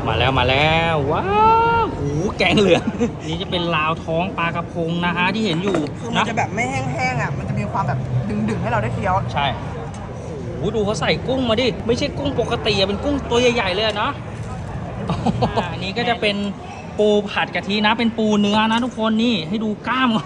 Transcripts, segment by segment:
มาแล้วว้าวหูแกงเหลืองนี่จะเป็นลาวท้องปลากระพงนะฮะที่เห็นอยู่คือมันจะแบบไม่แห้งๆอ่ะมันจะมีความแบบดึงๆให้เราได้เคี้ยวใช่โอ้โหดูเขาใส่กุ้งมาดิไม่ใช่กุ้งปกติเป็นกุ้งตัวใหญ่ๆเลยนะอันนี้ก็จะเป็นปูผัดกะทินะเป็นปูเนื้อนะทุกคนนี่ให้ดูกล้าม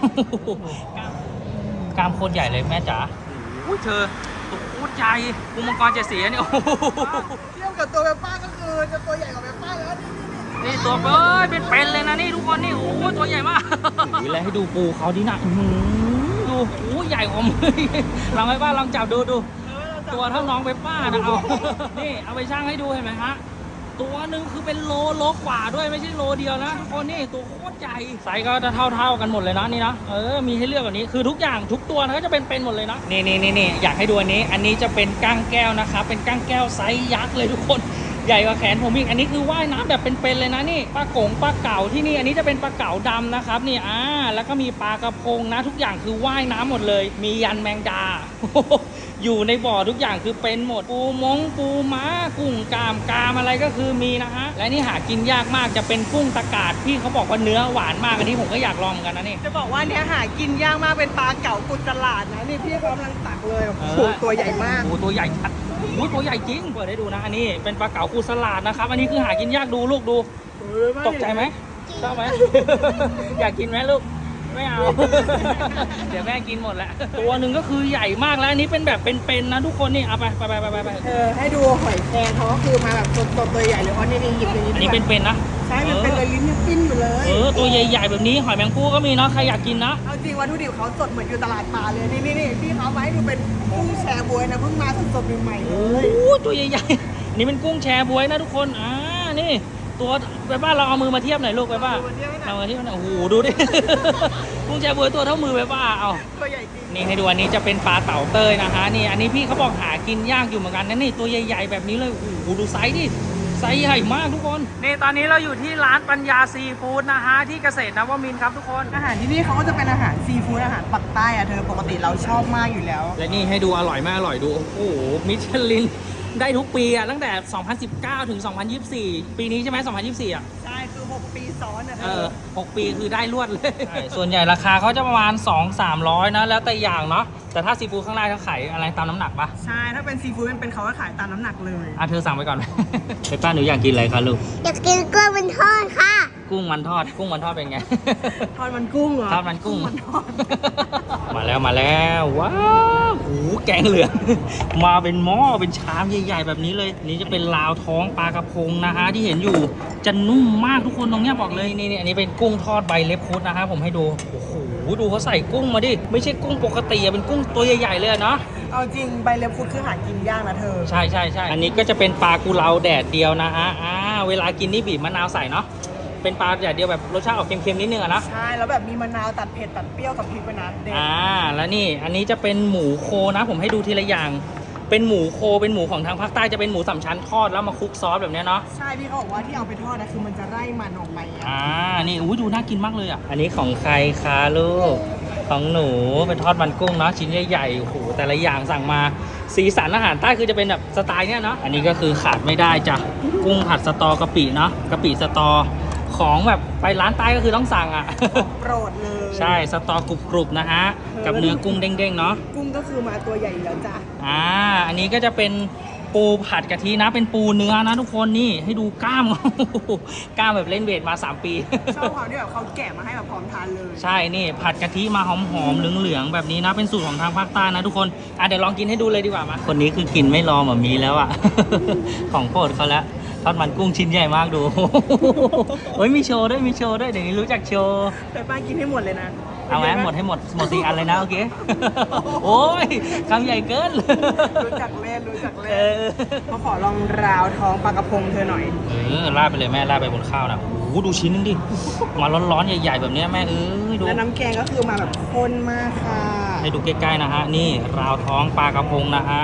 กล้ามโคตรใหญ่เลยแม่จ๋าอุ้ยเธอตัวโคตรใหญ่ปูมังกรเจ็ดสีเนี่ยโอ้โหเทียบกับตัวเปป้าก็คือจะตัวใหญ่กว่าเปป้าแล้วนี่ตัวเป็นเลยนะนี่ทุกคนนี่โอ้ตัวใหญ่มากแล้วให้ดูปูเขาดินะดูโอ้ใหญ่กว่ามือลองไปป้าลองจับดูตัวเท่าน้องไปป้านะเอานี่เอาไปช่างให้ดูเห็นไหมฮะตัวหนึ่งคือเป็นโลกว่าด้วยไม่ใช่โลเดียวนะทุกคนนี่ตัวโคตรใหญ่ไซส์ก็จะเท่ากันหมดเลยนะนี่นะมีให้เลือกแบบนี้คือทุกอย่างทุกตัวนะก็จะเป็นหมดเลยนะนี่อยากให้ดูอันนี้จะเป็นก้างแก้วนะครับเป็นก้างแก้วไซส์ยักษ์เลยทุกคนใหญ่กว่าแขนผมอีกอันนี้คือว่ายน้ำแบบเป็นเลยนะนี่ปลาเก๋าที่นี่อันนี้จะเป็นปลาเก๋าดำนะครับนี่แล้วก็มีปลากระพงนะทุกอย่างคือว่ายน้ำหมดเลยมียันแมงดาอยู่ในบ่อทุกอย่างคือเป็นหมดปูม้ากุ้งกามอะไรก็คือมีนะฮะและนี่หากินยากมากจะเป็นกุ้งตะกาดพี่เขาบอกว่าเนื้อหวานมากอันนี้ผมก็อยากลองกันนะนี่จะบอกว่าเนี้ยหากินยากมากเป็นปลาเก๋ากุดตลาดนะนี่พี่กำลังตักเลยโอ้โหตัวใหญ่มากโอ้ตัวใหญ่ชัดตัวใหญ่จริงเปิดให้ดูนะอันนี้เป็นปลาเก๋ากุดตลาดนะครับอันนี้คือหากินยากดูลูกดูตกใจไหมชอบไหม อยากกินไหมลูกไม่เอา เดี๋ยวแม่กินหมดแหละตัวหนึ่งก็คือใหญ่มากแล้วอันนี้เป็นแบบเป็นนะทุกคนนี่เอาไปให้ดูหอยแครงเขาก็คือมาแบบสดตัวใหญ่เลยเพราะนี่หยิบอย่างนี้อันนี้เป็นนะใช่มันเป็นเลยลิ้นปิ้นอยู่เลยตัวใหญ่ๆแบบนี้หอยแมงภู่ก็มีเนาะใครอยากกินนะเอาจริงวัตถุดิบเขาสดเหมือนอยู่ตลาดปลาเลยนี่พี่เขามาให้ดูเป็นกุ้งแชบ๊วยนะเพิ่งมาสดใหม่ๆเลยตัวใหญ่ๆนี่เป็นกุ้งแชบ๊วยนะทุกคนนี่ตัวไปบ้านเราเอามือมาเทียบหน่อยลูกไปบ้านเอามาเทียบหน่อยโอ้โหดูดิ กุ้งแชบ๊วยตัวเท่ามือไปบ้านเอาตัวใหญ่จริงนี่ให้ดูอันนี้จะเป็นปลาเต่าเต้ยนะคะนี่อันนี้พี่เขาบอกหากินยากอยู่เหมือนกันนะนี่ตัวใหญ่ๆแบบนี้เลยโอ้โหดูไซส์ดิไซส์ใหญ่มากทุกคนนี่ตอนนี้เราอยู่ที่ร้านปัญญาซีฟู้ดนะฮะที่เกษตรนวมินทร์ครับทุกคนอาหารที่นี่เขาก็จะเป็นอาหารซีฟู้ดอาหารปักใต้อะเธอปกติเราชอบมากอยู่แล้วและนี่ให้ดูอร่อยมากอร่อยดูโอ้โหมิชลินได้ทุกปีอะตั้งแต่ 2019 ถึง 2024 ปีนี้ใช่ไหม2024อะใช่คือ6 ปีซ้อนนะ 6 ปีคือได้รวดเลยส่วนใหญ่ราคาเขาจะประมาณ 200-300 นะแล้วแต่อย่างเนาะแต่ถ้าซีฟู้ดข้างล่างเขาขายอะไรตามน้ำหนักปะใช่ถ้าเป็นซีฟู้ดเป็นเขาก็ขายตามน้ำหนักเลยเธอสั่งไปก่อน ไปป้าหนูอยากกินอะไรคะลูกอยากกินกุ้งมันทอดค่ะกุ้งมันทอดเป็นไงทอดมันกุ้งเหรอทอดมันกุ้งมาแล้วว้าวหูแกงเหลืองมาเป็นหม้อเป็นชามใหญ่ๆแบบนี้เลยนี่จะเป็นลาวท้องปลากระพงนะฮะที่เห็นอยู่จะนุ่มมากทุกคนตรงนี้บอกเลยนี่อันนี้เป็นกุ้งทอดใบเล็บครุฑนะครับผมให้ดูโอ้โหดูเขาใส่กุ้งมาดิไม่ใช่กุ้งปกติเป็นกุ้งตัวใหญ่ๆเลยเนาะเอาจริงใบเล็บครุฑคือหากินยากนะเธอใช่อันนี้ก็จะเป็นปลากุเลาแดดเดียวนะฮะเวลากินนี่บีบมะนาวใส่เนาะเป็นปลาแดดเดียวแบบรสชาติออกเค็มๆนิดนึงอะนะใช่แล้วแบบมีมะนาวตัดเผ็ดตัดเปรี้ยวกับพริกไปนะเด็ดแล้วนี่อันนี้จะเป็นหมูโคนะผมให้ดูทีละอย่างเป็นหมูโคเป็นหมูของทางภาคใต้จะเป็นหมูสามชั้นทอดแล้วมาคลุกซอสแบบนี้เนาะใช่พี่เขาบอกว่าที่เอาไปทอดนะคือมันจะไล่มันออกไปนี่ดูน่ากินมากเลยอ่ะอันนี้ของใครคะลูกของหนูเป็นทอดมันกุ้งเนาะชิ้นใหญ่ๆโอ้โหแต่ละอย่างสั่งมาสีสันอาหารใต้คือจะเป็นแบบสไตล์เนี้ยเนาะอันนี้ก็คือขาดไม่ได้จ้ะกุ้งผัดสตอกะปิเนาะกะปิสตอของแบบไปร้านใต้ก็คือต้องสั่งอ่ะโปรดเลยใช่สตอกรุบนะฮะกับเนื้อกุ้งเด้งๆเนาะกุ้งก็คือมาตัวใหญ่แล้วจ้ะอันนี้ก็จะเป็นปูผัดกะทินะเป็นปูเนื้อนะทุกคนนี่ให้ดูกล้ามกล้ามแบบเล่นเวทมา3 ปีชอบเขาที่แบบเขาแกะมาให้แบบพร้อมทานเลยใช่นี่ผัดกะทิมาหอมๆเหลืองๆแบบนี้นะเป็นสูตรของทางภาคใต้นะทุกคนเดี๋ยวลองกินให้ดูเลยดีกว่ามาคนนี้คือกินไม่รอหมอมีแล้วอ่ะ ของโปรดเขาแล้วทอดมันกุ้งชิ้นใหญ่มากดูมีโชว์ด้วยเดี๋ยวนี้รู้จักโชว์แต่ป้ากินให้หมดเลยนะเอาไหมหมด4 อันเลยนะโอเคโอ้ยคำใหญ่เกินรู้จักเล่นเขาขอลองราวท้องปลากระพงเธอหน่อยราดไปเลยแม่ราดไปบนข้าวนะดูชิ้นนึงดิมาร้อนๆใหญ่ๆแบบนี้แม่ดูแล้วน้ำแกงก็คือมาแบบข้นมากค่ะให้ดูใกล้ๆนะฮะนี่ราวท้องปลากระพงนะฮะ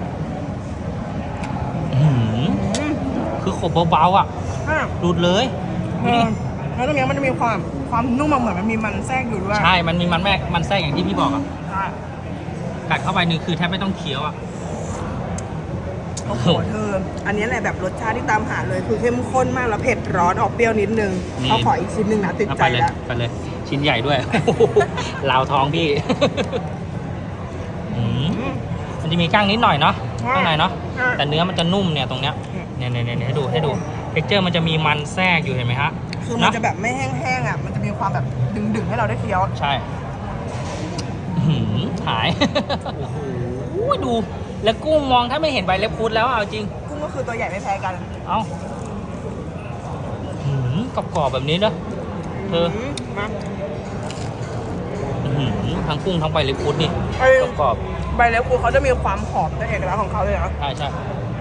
คือขบเบาๆอ่ะดูดเลยแล้วตรงนี้มันจะมีความนุ่มเหมือนมันมีมันแทรกอยู่ด้วยใช่มันมีมันแทรกอย่างที่พี่บอกอ่ะกัดเข้าไปนี่คือแทบไม่ต้องเคี้ยวอ่ะโอ้โหเธออันนี้แหละแบบรสชาติที่ตามหาเลยคือเข้มข้นมากแล้วเผ็ดร้อนออกเปรี้ยวนิดนึงเขาขออีกชิ้นหนึ่งนะติดเอาใจไปเลยแล้วไปเลย ชิ้นใหญ่ด้วย ลาวท้องพี่ มันจะมีก้างนิดหน่อยเนาะข้างในเนาะแต่เนื้อมันจะนุ่มเนี่ยตรงเนี้ยเนี่ยให้ดูเท็กเจอร์มันจะมีมันแทรกอยู่เห็นไหมฮะคือมันจะแบบไม่แห้งๆอ่ะมันจะมีความแบบดึงๆให้เราได้เคี้ยวใช่หาย โอ้โหดูแล้วกุ้งมองถ้าไม่เห็นใบเล็บคุดแล้วเอาจริงกุ้งก็คือตัวใหญ่ไม่แพ้กันเอากรอบๆแบบนี้เนอะเธอมาทั้งกุ้งทั้งใบเล็บคุดนี่กรอบใบเล็บกูเขาจะมีความหอมเป็นเอกลักษณ์ของเขาเลยนะใช่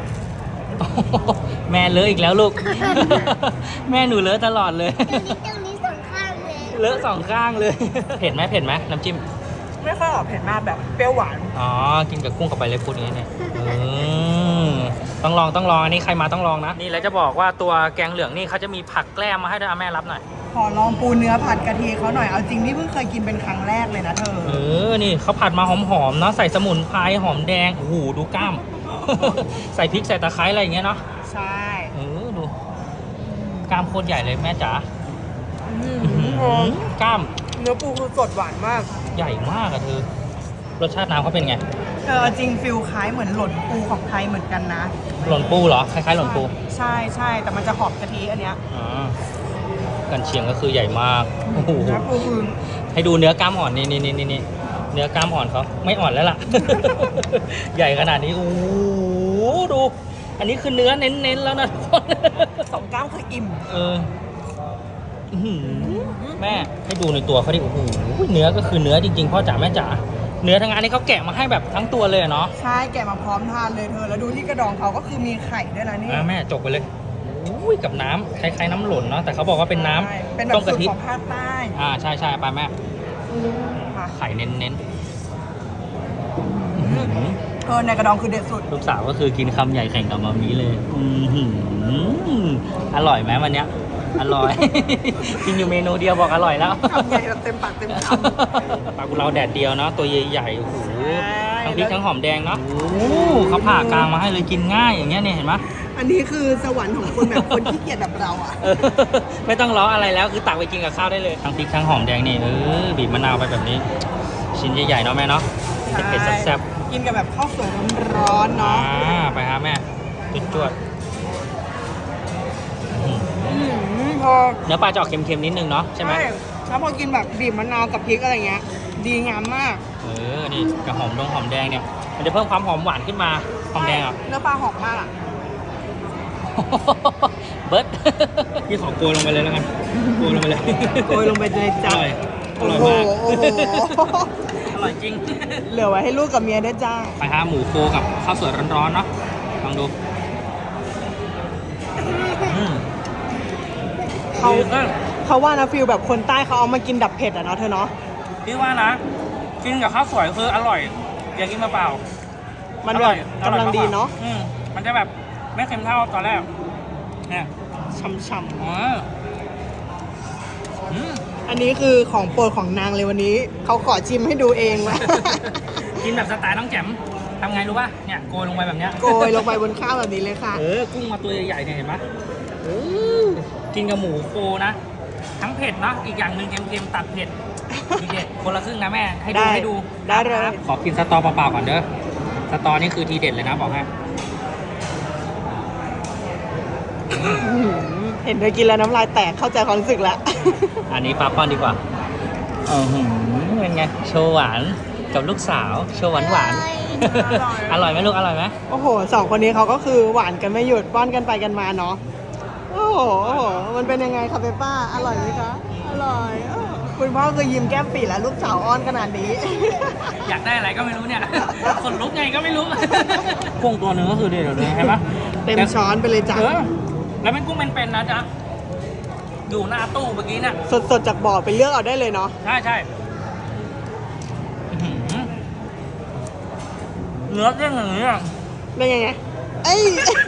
แม่เลอะอีกแล้วลูก แม่หนูเลอะตลอดเลยตรงนี้สองข้างเลยเลอะสองข้างเลย เผ็ดไหมน้ำจิ้มไม่ค่อยออกเผ็ดมากแบบเปรี้ยวหวานอ๋อ กินกับกุ้งกับใบเล็บพุดอย่างนี้เนี่ยต้องลองอันนี้ใครมาต้องลองนะ นี่แล้วจะบอกว่าตัวแกงเหลืองนี่เขาจะมีผักแกล้มมาให้ด้วยแม่รับหน่อยขอลองปูเนื้อผัดกะทิเขาหน่อยเอาจริงนี่เพิ่งเคยกินเป็นครั้งแรกเลยนะเธอนี่เขาผัดมาหอมๆเนาะใส่สมุนไพรหอมแดง โอ้โห ดูกล้าม ใส่พริกใส่ตะไคร้อะไรอย่างเงี้ยเนาะใช่ดูกล้ามโคตรใหญ่เลยแม่จ๋าหอมกล้ามเนื้อปูคือสดหวานมากใหญ่มากอะเธอ รสชาติน้ำเขาเป็นไงเอาจริงฟิลคล้ายเหมือนหล่นปูของไทยเหมือนกันนะหล่นปูเหรอ คล้ายๆหล่นปูใช่แต่มันจะหอมกะทิอันเนี้ยอ๋อกันเชียงก็คือใหญ่มาก โอ้โหเนื้อปูคือให้ดูเนื้อกล้ามอ่อนนี่เนื้อกล้ามอ่อนเขาไม่อ่อนแล้วล่ะ ใหญ่ขนาดนี้โอ้โหดู อันนี้คือเนื้อเน้นๆแล้วนะทุกคนสองกล้ามคืออิ่มอื้อหือแม่ให้ดูในตัวเขาดิโอ้โหเนื้อก็คือเนื้อจริงๆพ่อจ๋าแม่จ๋าเนื้อทั้งอันนี้เขาแกะมาให้แบบทั้งตัวเลยเนาะใช่แกะมาพร้อมทานเลยเธอแล้วดูที่กระดองเขาก็คือมีไข่ด้วยนะนี่แม่จกไปเลยอุ้ยกับน้ำคล้ายๆน้ำหล่นเนาะแต่เขาบอกว่าเป็นน้ใช่เป็นำแบบต้มสูกะตรทิของภาคใต้ใช่ไปแม่ค่ะไข่เน้นในกระดองคือเด็ดสุดๆลูกสาวก็คือกินคำใหญ่แข่งกับมามีเลยอร่อยไหมวันเนี้ยอร่อย กินอยู่เมนูเดียวบอกอร่อยแล้วคำใหญ่แบบเต็มปากเต็มคปลากุเลาแดดเดียวเนาะตัวใหญ่ๆโอ้โหใช่ทั้งพริกทั้งหอมแดงเนาะโอ้โหเขาผ่ากลางมาให้เลยกินง่ายอย่างเงี้ยเนี่ยเห็นไหมอันนี้คือสวรรค์ของคนแบบคนขี้เกียจแบบเราอ่ะไม่ต้องล้ออะไรแล้วคือตักไปกินกับข้าวได้เลยทั้งพริกทั้งหอมแดงนี่บีบมะนาวไปแบบนี้ ชิ้นใหญ่ๆเนาะแม่เนาะเผ็ดๆแซ่บกินกับแบบข้าวสวยร้อนๆๆเนาะไปฮะแม่จวดๆพอเนื้อปลาจะออกเค็มๆนิดนึงเนาะใช่ไหมแล้วพอกินแบบบีบมะนาวกับพริกอะไรเงี้ย ดีงามมากนี่กับหอมแดงเนี่ยมันจะเพิ่มความหอมหวานขึ้นมาหอมแดงอ่ะเนื้อปลาหอมมากอ่ะเบิร์ด พี่ขอโกยลงไปเลยแล้วกันโกยลงไปเลยโกยลงไปเลยจ้ะอร่อยโอ้โหมากโอ้โหอร่อยจริงเหลือไว้ให้ลูกกับเมียได้วยจ้าไปหาหมูโคกับข้าวสวยร้อนๆเนาะลองดูเขาคือเขาว่านะฟิลแบบคนใต้เขาเอามากินดับเผ็ดอ่ะเนาะเธอเนาะพี่ว่านะ กินกับข้าวสวยคืออร่อย อย่ากินมาเปล่ามันแบบกำลังดีเนาะมันจะแบบไม่เค็มเท่าตอนแรก เนี่ยช่ำอ๋ออืมๆอันนี้คือของโปรดของนางเลยวันนี้ เขาขอชิมให้ดูเองว่ะกินแบบสไตล์น้องแจ่มทำไงรู้ป่ะ เนี่ยโกยลงไปแบบเนี้ยโกยลงไปบนข้าวแบบนี้เลยค่ะกุ้งมาตัวใหญ่ๆเนี่ยเห็นไหมกินกับหมูโคนะ ทั้งเผ็ดเนาะอีกอย่างหนึ่งเค็มๆตัดเผ็ดทีเด็ดคนละครึ่งนะแม่ ให้ดูได้ให้ดูได้เลยครับขอกินสตอเปล่าๆก่อนเด้อ สตอนี่คือทีเด็ดเลยนะบอกให้เห็นเธอกินแล้วน้ำลายแตกเข้าใจความรู้สึกแล้วอันนี้ปลาป้อนดีกว่าเป็นไง โชว์หวานกับลูกสาว โชว์หวานหวานๆอร่อยไหมลูก อร่อยไหมโอ้โหสองคนนี้เขาก็คือหวานกันไม่หยุดป้อนกันไปกันมาเนาะ โอ้โห มันเป็นยังไงคะเปป้า อร่อยไหมคะ อร่อยคุณพ่อคือยิ้มแก้มปีแล้วลูกสาวอ้อนขนาดนี้อยากได้อะไรก็ไม่รู้เนี่ย คนลุกไงก็ไม่รู้ กุ้งตัวหนึงก็คือเด็ดเลยใช่ปะเต็มช้อนไปเลยจ้ะแล้วเป็นกุ้งเป็นๆนะจ๊ะ อยู่หน้าตู้เมื่อกี้เนี่ยสดๆจากบ่อไปเลือกเอาได้เลยเนาะใช่เนื้อเด้งอย่างนี้อ่ะเป็นยังไง เอ้ย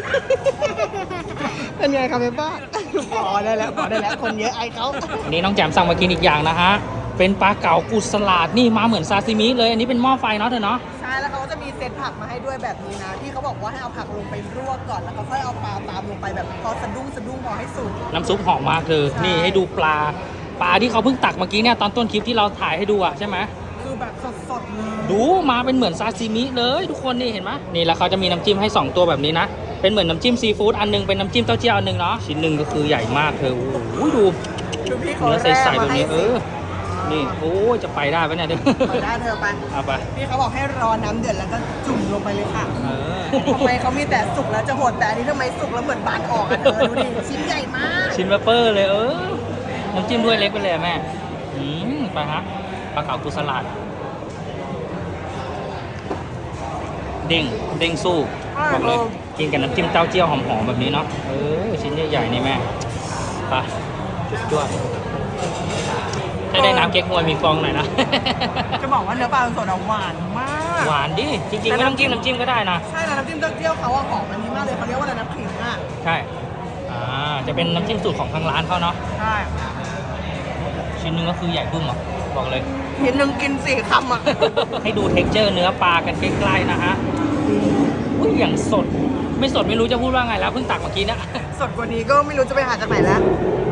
เป็นไงคะเปป้าพอได้แล้ว คนเยอะไอเขาอันนี้น้องแจมสั่งมากินอีกอย่างนะฮะ เป็นปลาเก๋ากุสลาดนี่มาเหมือนซาซิมิเลย อันนี้เป็นหม้อไฟเนาะเธอเนาะใช่ช่แล้วเขาก็จะมีเซตผักมาให้ด้วยแบบนี้นะที่เขาบอกว่าให้เอาผักลงไปลวกก่อนแล้วก็ค่อยเอาปลาตามลงไปแบบพอสะดุ้งพอให้สุกน้ำซุปหอมมากเธอใช่นี่ให้ดูปลาที่เขาเพิ่งตักเมื่อกี้เนี่ยตอนต้นคลิปที่เราถ่ายให้ดูอะใช่ไหมคือแบบสดๆเลยดูมาเป็นเหมือนซาซิมิเลยทุกคนนี่เห็นไหมนี่แล้วเขาจะมีน้ำจิ้มให้ 2 ตัวแบบนี้นะเป็นเหมือนน้ำจิ้มซีฟู้ดอันหนึงเป็นน้ำจิ้มเต้าเจี้ยวอันหนึงเนาะชิ้นหนึ่งก็คือใหญ่มากเธอโอ้โหดูดูพี่เขาเนื้อใสๆแบบนี้แร่มาให้สินี่โอ้ยจะไปได้ปะเนี่ยเดี๋ยวไปได้เธอไปเอาไปพี่เขาบอกให้รอน้ำเดือดแล้วก็จุ่มลงไปเลยค่ะเออทำไมเขามีแต่สุกแล้วจะโหดแต่อันนี้ทำไมสุกแล้วเหมือนบานออกอะเธอดูดิชิ้นใหญ่มากชิ้นเบเปอร์เลยน้ำจิ้มด้วยเล็กไปเลยอะแม่ไปฮะปลาเก๋ากุสลัดเด้งสู้บอกเลยกินกับน้ำจิ้มเต้าเจี้ยวหอมๆแบบนี้เนาะชิ้นใหญ่ๆนี่แม่ไปด้วยถ้าได้น้ำเก๊กฮวยมีฟองหน่อยนะจะบอกว่าเนื้อปลาสดอะหวานมากหวานดิจริงๆไม่ต้องจิ้มน้ำจิ้มก็ได้นะใช่แล้วน้ำจิ้มเต้าเจี้ยวเขาอะหอมอันนี้มากเลยเขาเรียกว่าอะไรนะขิงอะใช่จะเป็นน้ำจิ้มสูตรของทางร้านเขาเนาะใช่ชิ้นหนึงก็คือใหญ่บึ้มอ่ะบอกเลยทีนึงกิน4 คำอะให้ดูเท็กเจอร์เนื้อปลากันใกล้ๆนะฮะอุ้ยอย่างสดไม่สดไม่รู้จะพูดว่าไงแล้วเพิ่งตักเมื่อกี้นะสดกว่านี้ก็ไม่รู้จะไปหาจากไหนแล้ว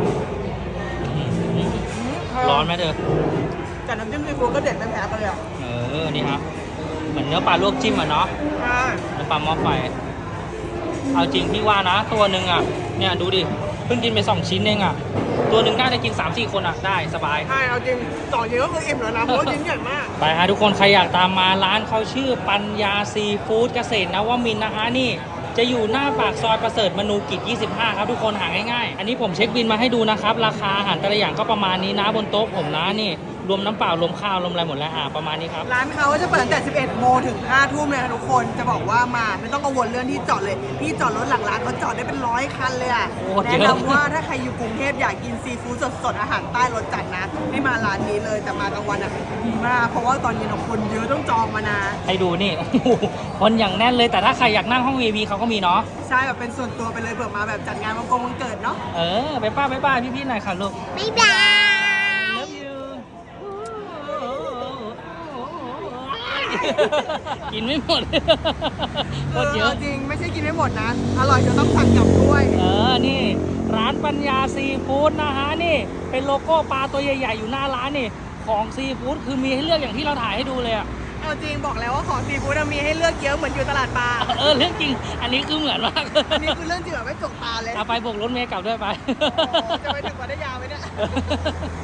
ร้อนไหมเธอแต่น้ำจิ้มซีฟู้ดก็เด็ดไม่แพ้กันเลยอะนี่ฮะเหมือนเนื้อปลาลวกจิ้มอ่ะเนาะใช่เนื้อปลาหม้อไฟเอาจริงพี่ว่านะ ตัวหนึ่งอ่ะเนี่ยดูดิเพิ่งกินไป2 ชิ้นเองอ่ะตัวหนึ่งน่าจะกิน 3-4 คนอ่ะได้สบายใช่เอาจริงต่อเยอะก็คืออิ่มแล้วนะเพราะว่าชิ้นใหญ่มากไปฮะทุกคนใครอยากตามมาร้านเขาชื่อปัญญาซีฟู้ดเกษตรนวมินทร์นะฮะนี่จะอยู่หน้าปากซอยประเสริฐมนูกิจ 25 ครับทุกคนหาง่ายๆ อันนี้ผมเช็คบินมาให้ดูนะครับ ราคาอาหารแต่ละอย่างก็ประมาณนี้นะบนโต๊ะผมนะนี่รวมน้ำเปล่ารวมข้าวรวมอะไรหมดแล้วประมาณนี้ครับร้านเขาจะเปิดตั้งแต่ 11 โมงถึง 5 ทุ่มเลยค่ะทุกคน จะบอกว่ามาไม่ต้องกังวลเรื่องที่จอดเลย พี่จอดรถหลังร้านเขาจอดได้เป็น100 คันเลยอ่ะโอ้เยแนะอะนำว่าถ้าใครอยู่กรุงเทพอยากกินซีฟู้ดสดๆ อาหารใต้รสจัดนะ ให้มาร้านนี้เลย แต่มากลางวันอ่ะดีมาก เพราะว่าตอนเย็นคนเยอะต้องจองมานะให้ดูนี่ โอ้โหคนอย่างแน่นเลยแต่ถ้าใครอยากนั่งห้อง VIP เขาก็มีเนาะใช่แบบเป็นส่วนตัวไปเลยเผื่อมาแบบจัดงานวันเกิดเนาะไปป้าพี่ๆหน่อยค่ะลูกบ๊ายบาย Love you กินไม่หมด โคตรเยอะจริงไม่ใช่กินไม่หมดนะ อร่อยจนต้องสั่งกลับด้วยนี่ร้านปัญญาซีฟู้ดนะฮะนี่เป็นโลโก้ปลาตัวใหญ่ๆอยู่หน้าร้านนี่ของซีฟู้ดคือมีให้เลือกอย่างที่เราถ่ายให้ดูเลยอะเอาจริงบอกแล้วว่าของซีฟู้ดมีให้เลือกเยอะเหมือนอยู่ตลาดปลาเรื่องจริง อันนี้คือเหมือนมากอันนี้คือเรื่องจริงแบบไม่จกตาเลยเอาไปโบกรถเมล์กลับด้วยไปจะไปถึงวัดยาไหมเนี่ย